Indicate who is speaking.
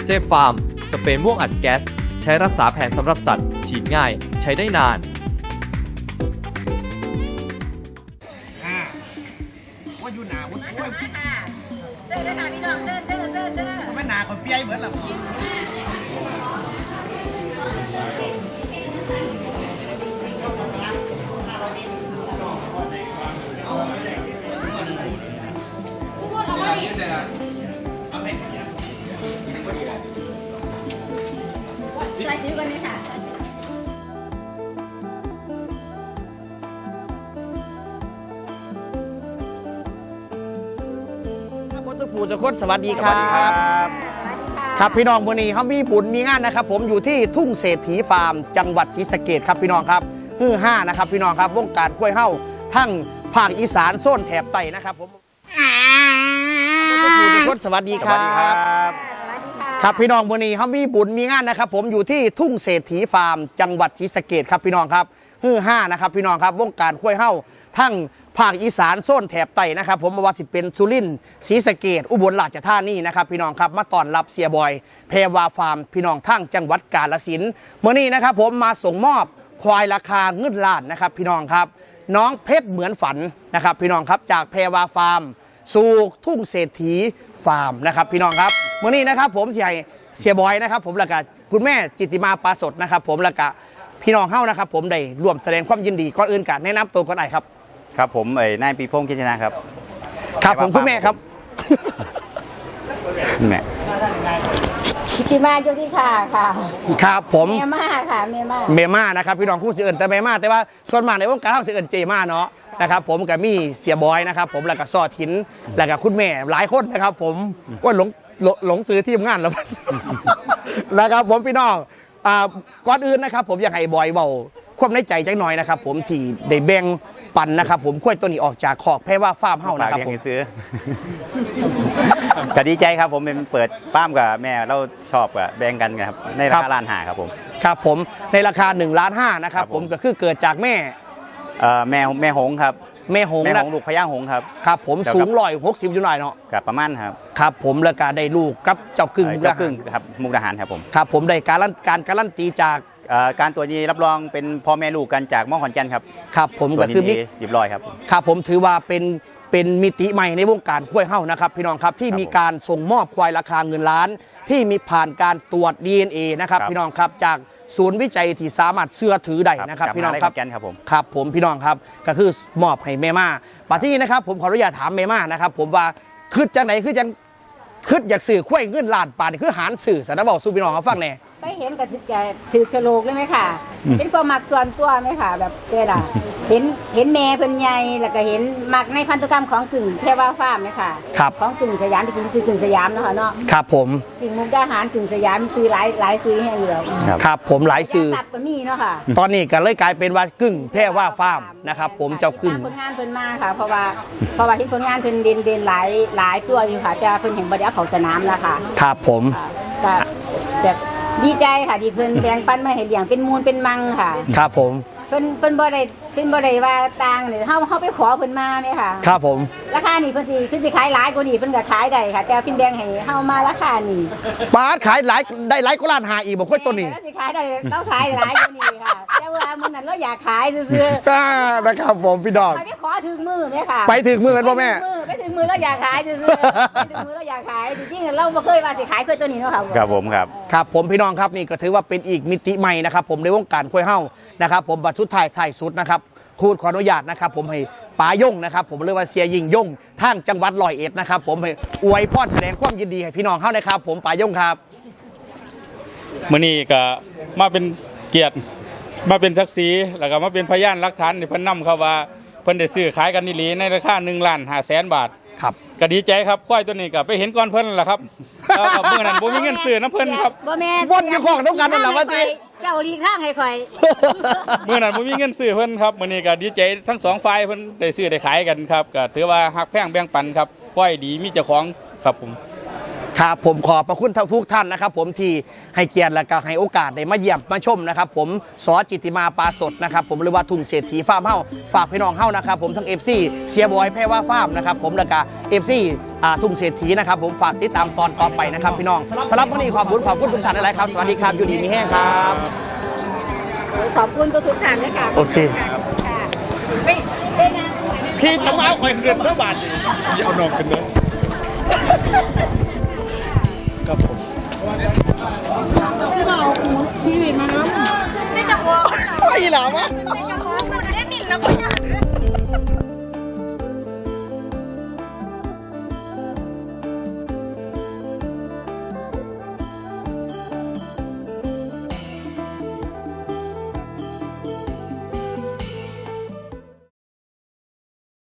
Speaker 1: เซฟฟาร์มสเปรย์ม่วงอัดแก๊สใช้รักษาแผลสำหรับสัตว์ฉีดง่ายใช้ได้นาน
Speaker 2: ว่าอยู่หนาวุ้นกล้วย
Speaker 3: เดินเลยค่ะพี่น้องเดิน
Speaker 2: ไม่หนาคนเปี้ยเหมือนหรอ
Speaker 3: ใส่ถือกันเลยค่ะ
Speaker 2: พ่อสุภูจะคดสวัสดีครับครับพี่น้องวันนี้เขามีบุญมีงานนะครับผมอยู่ที่ทุ่งเศรษฐีฟาร์มจังหวัดศรีสะเกษครับพี่น้องครับ5นะครับพี่น้องครับวงการกล้วยเฮ้าทั้งภาคอีสานโซนแถบใต้นะครับผมพ่อสุภูจะคดสวัสดีครับครับพี่น้องวันนี้เขามีบุญมีงานนะครับผมอยู่ที่ทุ่งเศรษฐีฟาร์มจังหวัดศรีสะเกษครับพี่น้องครับ5นะครับพี่น้องครับวงการกล้วยเฮ้าทั้งภาคอีสานโซนแถบใต้นะครับผมว่าสิเป็นสุรินทร์ศรีสะเกษอุบลราชธานีนะครับพี่น้องครับมาต้อนรับเสียบอยแพรวาฟาร์มพี่น้องทั้งจังหวัดกาฬสินธุ์เมื่อนี้นะครับผมมาส่งมอบควายราคาเงินล้านนะครับพี่น้องครับน้องเพชรเหมือนฝันนะครับพี่น้องครับจากแพรวาฟาร์มสู่ทุ่งเศรษฐีฟาร์มนะครับพี่น้องครับเมื่อนี้นะครับผมเสียบอยนะครับผมแล้วก็คุณแม่จิตติมาปาสดนะครับผมแล้วก็พี่น้องเฮ้านะครับผมได้ร่วมแสดงความยินดีก่อนอื่นกันแนะนำตัวก่อนหน่อยครับ
Speaker 4: ครับผมนายปีพงษ์คิดชนะครับ
Speaker 2: ครับผมคุณแม่ครับ
Speaker 4: แม่
Speaker 3: กิติมาอยู่ที่ค่ะ
Speaker 2: ครับผม
Speaker 3: เมม่าค่ะเม
Speaker 2: ม่านะครับพี่น้องคู่เสื่อแต่เมม่าแต่ว่าส่วนมากในวงการเขาเสื่อเจม่าเนาะนะครับผมกับมีเสียบอยนะครับผมแล้วก็ซอทินแล้วก็คุณแม่หลายคนนะครับผมก็หลงซื้อทีมงานแล้วนะครับผมพี่น้องก่อนอื่นนะครับผมอยากให้บอยเบาความในใจจังหน่อยนะครับผมที่ได้แบ่งปันนะครับผมค่อยตัวนี้ออกจากขอกแพรว่าฟาร์มเฮ้านะครับผม
Speaker 4: ซื้อก็ดีใจครับผมเป็นเปิดฟาร์มกับแม่เราชอบกับแบ่งกันครับในราคาล้านห้าครับผม
Speaker 2: ครับผมในราคา1.5 ล้านนะครับผมก็คือเกิดจากแม่
Speaker 4: หงครับ
Speaker 2: แม่หง
Speaker 4: ลูกพญาหงครับ
Speaker 2: ครับผมสูง160อยู่หน่อยเนาะ
Speaker 4: ครับประมาณ
Speaker 2: ครับผมแล้วก็ได้ลูกกับเจ้ากึ่ง
Speaker 4: ครับมุกดาหารครับผม
Speaker 2: ครับผมได้การันตีจาก
Speaker 4: การตัวนี้รับรองเป็นพ่อแม่ลูกกันจากม่องขอนแก่นครับ
Speaker 2: ครับผมก็คือ
Speaker 4: เรียบร้อยครับ
Speaker 2: ครับผมถือว่าเป็นมิติใหม่ในวงการกล้วยเฮ้านะครับพี่น้องครับที่มีการส่งมอบควายราคาเงินล้านที่มีผ่านการตรวจ DNA นะครับพี่น้องครับจากศูนย์วิจัยที่สามารถเชื่อถือได้นะครับพี่น้องครับครับผมพี่น้องครับก็คือมอบให้แม่ม่าปัจจุบันนะครับผมขออนุญาตถามแม่ม่านะครับผมว่าคืดจังไหนคือจังคืดอยากสื่อควายเงินล้านป่านคือหารสื่อสารบอกสู่พี่น้องเขาฟังแน่
Speaker 3: ไปเห็นกับถือฉลกเลยไหมค่ะเป็นความหมักส่วนตัวไหมค่ะแบบเวลาเห็นแม่เพิ่นใหญ่แล้วก็เห็นหมักในพันธุกรรมของกึ่งแพรวาฟาร์มไหมค่ะของกึ่งสยามที่กินซื้อกึ่งสยามเนาะค่ะเนาะ
Speaker 2: ครับผม
Speaker 3: กึ่งมุกดาหารกึ่งสยามซื้อหลายซื้อให้เหลือ
Speaker 2: ครับผมหลายซื้อ
Speaker 3: ก็มีเนาะค่ะ
Speaker 2: ตอนนี้ก็เลยกลายเป็นว่ากึ่งแพรวาฟาร์มนะครับผมเจ้ากึ่ง
Speaker 3: ผลงานเพิ่นมาค่ะเพราะว่าที่ผลงานเพิ่นเด่นหลายตัวอยู่ค่ะจะเพิ่นเห็นบ่ได้เอาเข้าสนามแล้วค่ะ
Speaker 2: ครับผม
Speaker 3: แบบดีใจค่ะที่เพิ่นแบ่งปันมาให้เลี้ยงเป็นมูลเป็นมังค่ะ
Speaker 2: ครับผม
Speaker 3: เพิ่นบ่ได้ว่าต่างเนี่ยเฮาไปขอเพิ่นมาไหมค่ะ
Speaker 2: ครับผม
Speaker 3: ราคานี่เพิ่นสิขายหลายกว่านี้เพิ่นก็ขายได้ค่ะแต่เพิ่นแบ่งให้เฮามาราคานี่
Speaker 2: บาทขายหลายได้หลายกว่าล้านหาอีกบ่ค่อยตัวนี้
Speaker 3: สิขายได้เราขายหลายกว่านี้ค่ะแต่ว่ามื้อนั้นเราอยากขายซื่อ
Speaker 2: ๆนะครับผมพี่ดอก
Speaker 3: ไปขอถึงมือไหมค่ะ
Speaker 2: ไปถึงมือกันบ่แม่
Speaker 3: ไปถึงมือเราอยากขายซื่อๆไปถึงมือเราอยากขายจริงๆเราบ่เคยว่าสิขายตัวนี้เนาะค่ะ
Speaker 4: ครับผม
Speaker 2: ครับผมพี่น้องครับนี่ก็ถือว่าเป็นอีกมิติใหม่นะครับผมในวงการกล้วยเฮ้านะครับผมบัดสุดท้ายสุดนะครับพูดขออนุญาตนะครับผมให้ป๋าย่งนะครับผมเรียกว่าเสียยิงย่งทางจังหวัด101นะครับผมให้อวยพรแสดงความยินดีให้พี่น้องเฮ้านะครับผมป๋าย่งครับ
Speaker 5: มื้อนี้ก็มาเป็นเกียรติมาเป็นศักดิ์ศรีแล้วก็มาเป็นพยานหลักฐานที่เพิ่นนำครับว่าเพิ่นได้ซื้อขายกันอีหลีในราคา1,500,000 บาท
Speaker 2: ครับ
Speaker 5: ก็ดีใจครับควายตัวนี้ก็ไปเห็นก่อนเพิ่นแหละครับแล้วก็มื้อนั้นบ่มีเงินซื้อน้ำเพิ่นครับ
Speaker 3: บ่แม่
Speaker 2: บ่อยู่ของต้องกันนั่นแหละว่าติ
Speaker 3: เจ้าลีกทางให้ข่อย
Speaker 5: มื้อนั้นบ่มีเงินซื้อเพิ่นครับมื้อนี้ก็ดีใจทั้งสองฝ่ายเพิ่นได้ซื้อได้ขายกันครับก็ถือว่าฮักแพงแบ่งปันครับควายดีมีเจ้าของครับผม
Speaker 2: ครับผมขอบพระคุณทุกท่านนะครับผมที่ให้เกียรติและก็ให้โอกาสได้มาเยี่ยมมาชมนะครับผมสจิตติมาปาสดนะครับผมหรือว่าทุ่งเศรษฐีฟาร์มเฮ้าฝากพี่น้องเฮ้านะครับผมทั้ง FC เสียบอยแพรว่าฟาร์มนะครับผมและก็ FC ทุ่งเศรษฐีนะครับผมฝากติดตามตอนต่อไปนะครับพี่น้องสำหรับวันนี้ขอบคุณทุกท่านหลายๆครับสวัสดีครับอยู่ดีมีแห้งครับ
Speaker 3: ขอบคุณทุกท่านด้วยค่ะ
Speaker 2: โอเค
Speaker 3: ค่ะไม่ได้นะ
Speaker 2: พี่จะมาเอาข่อยเกินเมื่อบาท
Speaker 5: อย่าเอานองกันเด้อครับผม
Speaker 3: ไม่จะวอล์ก
Speaker 2: ไม่หรอวะ
Speaker 3: ไม่จะวอล์กมันได้หมิ่นแล้วก็อยาก